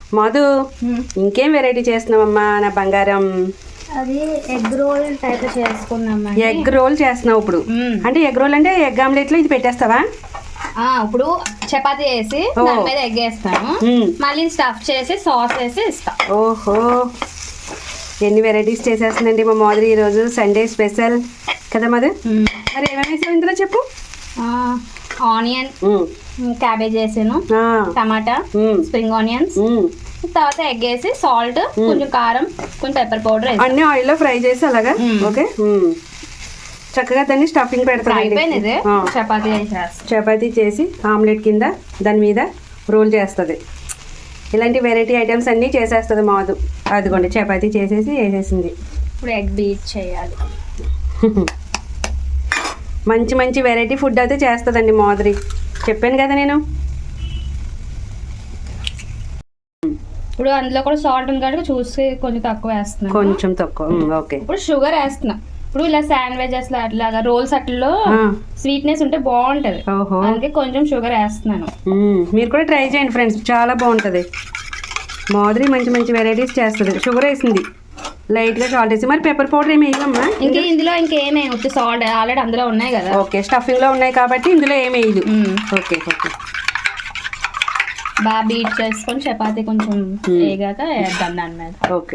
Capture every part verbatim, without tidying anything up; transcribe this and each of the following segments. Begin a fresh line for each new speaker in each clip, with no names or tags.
మధు ఇంకేం వెరైటీ చేస్తున్నావమ్మా నా బంగారం?
అది ఎగ్ రోల్ టైప్ చేసుకున్నాం.
ఎగ్ రోల్ చేస్తున్నావు ఇప్పుడు? అంటే ఎగ్ రోల్ అంటే ఎగ్ ఆమ్లెట్ లో ఇది పెట్టేస్తావా?
ఇప్పుడు చపాతీ వేసి దాని మీద ఎగ్ వేస్తాను, మళ్ళీ స్టఫ్ చేసి సాస్ వేసి ఇస్తా.
ఓహో, ఎన్ని వెరైటీస్ చేసేస్తుందండి మా మాదిరి ఈరోజు సండే స్పెషల్ కదా మధు. మరి ఏమేమి వేసావు ఇందులో చెప్పు.
ఆనియన్, క్యాబేజ్ వేసాను, టమాటా, స్ప్రింగ్ ఆనియన్స్, తర్వాత ఎగ్ వేసి సాల్ట్, కొంచెం కారం, కొంచెం పెప్పర్ పౌడర్ వేసి
అన్ని ఆయిల్ లో ఫ్రై చేసి అలాగా. ఓకే, చక్కగా దాన్ని స్టఫింగ్ పెడతాను.
చపాతీ
చపాతీ చేసి ఆమ్లెట్ కింద దాని మీద రోల్ చేస్తుంది. ఇలాంటి వెరైటీ ఐటమ్స్ అన్నీ చేసేస్తుంది మాదు. అదిగోండి చపాతీ చేసేసి వేసేసింది.
ఇప్పుడు ఎగ్ బీట్ చేయాలి.
మంచి మంచి వెరైటీ ఫుడ్ అయితే చేస్తుందండి మాధురి, చెప్పాను కదా నేను.
ఇప్పుడు అందులో కూడా సాల్ట్ ఉంది కాబట్టి చూసి కొంచెం తక్కువ వేస్తున్నాను.
కొంచెం తక్కువ, ఓకే.
ఇప్పుడు షుగర్ వేస్తున్నా. ఇప్పుడు ఇలా శాండ్విచెస్ అట్లాగా రోల్స్ అట్లలో స్వీట్నెస్ ఉంటే బాగుంటది, అందుకే కొంచెం షుగర్ వేస్తున్నాను.
మీరు కూడా ట్రై చేయండి ఫ్రెండ్స్, చాలా బాగుంటది. మాధురి మంచి మంచి వెరైటీస్ చేస్తుంది. షుగర్ వేసింది, లైట్ గా సాల్ట్ వేసి. మరి పెప్పర్ పౌడర్ ఏమి వేయమ్మా?
ఇంకా ఇందులో ఇంకేమే ఉత్తి సాల్ట్ ఆల్రెడీ అందులో ఉన్నాయి కదా.
ఓకే, స్టఫింగ్ లో ఉన్నాయి కాబట్టి ఇందులో ఏమి వేయదు. ఓకే ఓకే,
బాగా బీట్ చేసుకొని చపాతీ కొంచెం వేగాక వేద్దాం దాని మీద.
ఓకే,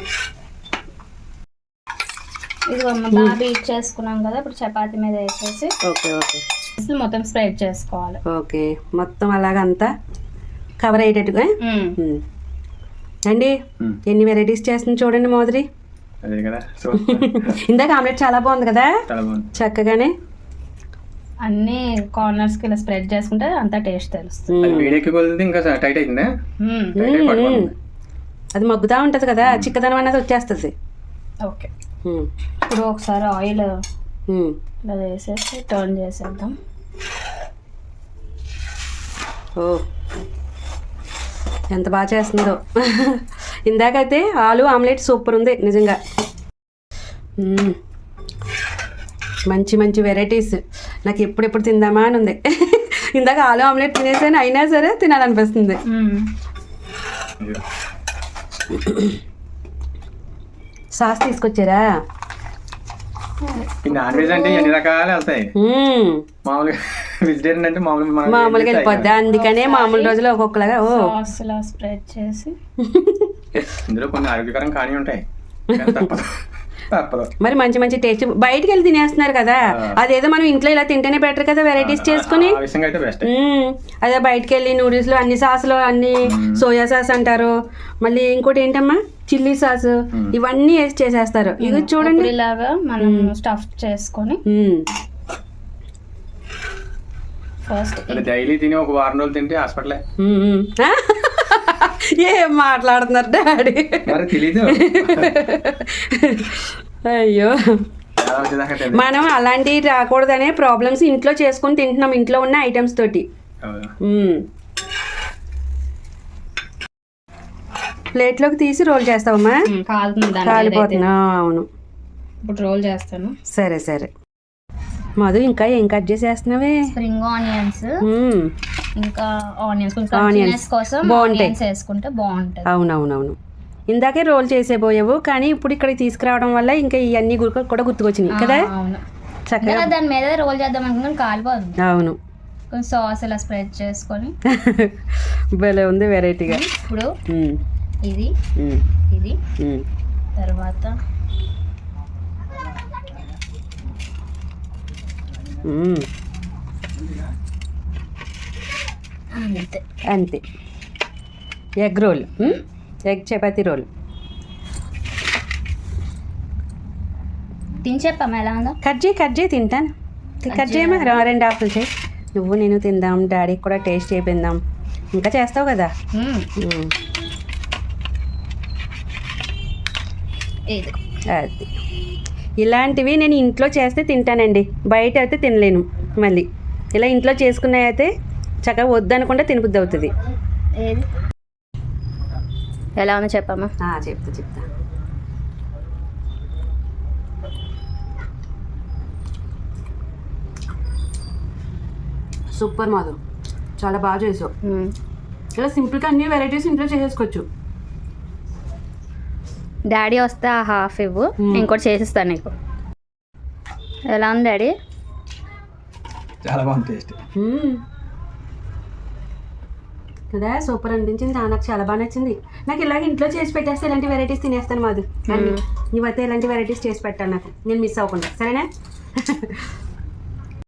ఇది బాగా బీట్ చేసుకున్నాం కదా, ఇప్పుడు చపాతీ మీద వేసేసి
ఓకే ఓకే
మొత్తం స్ప్రెడ్ చేసుకోవాలి.
ఓకే, మొత్తం అలాగంతా కవర్ అయ్యేటట్టుగా అండి. ఎన్ని వెరైటీస్ చేస్తుంది చూడండి మాధురి. ఇందాక ఆమ్లెట్ చాలా బాగుంది కదా, చక్కగానే
అన్ని కార్నర్స్ కి ఇలా స్ప్రెడ్ చేసుకుంటే అంతా టేస్ట్ తెలుస్తుంది.
అది మగ్గుతా ఉంటది కదా, చిక్కదనం అనేది వచ్చేస్తుంది.
ఓకే, ఇప్పుడు ఒకసారి ఆయిల్ ఇలా వేసేసి టర్న్ చేసేద్దాం.
ఓ, ఎంత బాగా చేస్తుందో. ఇందాకైతే ఆలు ఆమ్లెట్ సూపర్ ఉంది నిజంగా. మంచి మంచి వెరైటీస్ నాకు ఎప్పుడెప్పుడు తిందామా అని ఉంది. ఇందాక ఆలు ఆమ్లెట్ తినేసాను, అయినా సరే తినాలనిపిస్తుంది. సాస్ తీసుకొచ్చారా?
నాన్ వెజ్ అంటే ఎన్ని రకాలు వెళ్తాయి, మామూలుగా వెజిటేరియన్ అంటే మామూలు
మామూలుగా వెళ్ళిపోద్ది. అందుకనే మామూలు రోజులు ఒక్కొక్కలాగా ఓ
స్ప్రెడ్ చేసి
ఇందులో కొన్ని ఆరోగ్యకరం కానీ ఉంటాయి, తప్పదు.
మరి మంచి మంచి టేస్ట్ బయటకు వెళ్ళి తినేస్తున్నారు కదా, అదేదో మనం ఇంట్లో ఇలా తింటేనే బెటర్ కదా వెరైటీస్ చేసుకుని. అదే బయటకు వెళ్ళి నూడిల్స్ లో అన్ని సాసులు అన్ని సోయా సాస్ అంటారు, మళ్ళీ ఇంకోటి ఏంటమ్మా చిల్లీ సాస్, ఇవన్నీ వేసి చేసేస్తారు. ఇది చూడండి
ఇలాగా మనం స్టఫ్ చేసుకొని ఫస్ట్
డైలీ తిని ఒక వారం రోజులు తింటే హాస్పిటలే.
ఏం మాట్లాడుతున్నారు డాడీ,
తెలీదు.
అయ్యో, మనం అలాంటివి రాకూడదనే ప్రాబ్లమ్స్ ఇంట్లో చేసుకొని తింటున్నాం, ఇంట్లో ఉన్న ఐటమ్స్ తోటి. ప్లేట్లోకి తీసి రోల్ చేస్తావమ్మా? కాలిపోతున్నా. అవును,
ఇప్పుడు రోల్ చేస్తాను.
సరే సరే మధు, ఇంకా ఏం కట్ చేసేస్తున్నావే?
స్ప్రింగ్ ఆనియన్స్, ఇంకా ఆనియన్స్
ఆనియన్స్
కోసం
బాగుంటాయి,
వేసుకుంటే బాగుంటాయి.
అవునవునవును, ఇందాకే రోల్ చేసేపోయావు కానీ ఇప్పుడు ఇక్కడికి తీసుకురావడం వల్ల ఇంకా ఇవన్నీ కూడా గుర్తుకొచ్చినాయి కదా.
చక్కగా దాని మీద రోల్ చేద్దాం అనుకుని కాలిపోతుంది.
అవును,
కొంచెం సాస్ ఇలా స్ప్రెడ్ చేసుకొని
భలే ఉంది వెరైటీగా.
ఇప్పుడు ఇది ఇది తర్వాత అంతే
అంతే egg roll, egg chapati roll.
తిని చెప్పమ్మా ఎలా ఉందో.
కట్ చేయి కట్ చేయి తింటాను. కట్ చేయమా, రెండు ఆకులు చేయి. నువ్వు నేను తిందాం, డాడీకి కూడా టేస్ట్ చేయిందాం. ఇంకా చేస్తావు కదా. అది ఇలాంటివి నేను ఇంట్లో చేస్తే తింటానండి, బయట అయితే తినలేను. మళ్ళీ ఇలా ఇంట్లో చేసుకున్నాయి అయితే చక్కగా వద్దనుకుంటే తినబుద్ధి అవుతుంది.
ఎలా ఉందో చెప్పమ్మా.
చెప్తా చెప్తా సూపర్ మాధవ్, చాలా బాగా చేసావు. ఇలా సింపుల్గా అన్ని వెరైటీస్ ఇంట్లో చేసేసుకోవచ్చు.
డాడీ వస్తే ఆ హాఫ్ ఇవ్వు, ఇంకోటి చేసిస్తాను నీకు. ఎలా ఉంది డాడీ?
చాలా బాగుంది టేస్ట్.
కదా సూపర్ అనిపించింది. నాకు చాలా బాగా నచ్చింది. నాకు ఇలాగ ఇంట్లో చేసి పెట్టేస్తే ఇలాంటి వెరైటీస్ తినేస్తాను మాది. నువ్వైతే ఇలాంటి వెరైటీస్ చేసి పెట్టాను నాకు, నేను మిస్ అవ్వకుండా. సరేనా?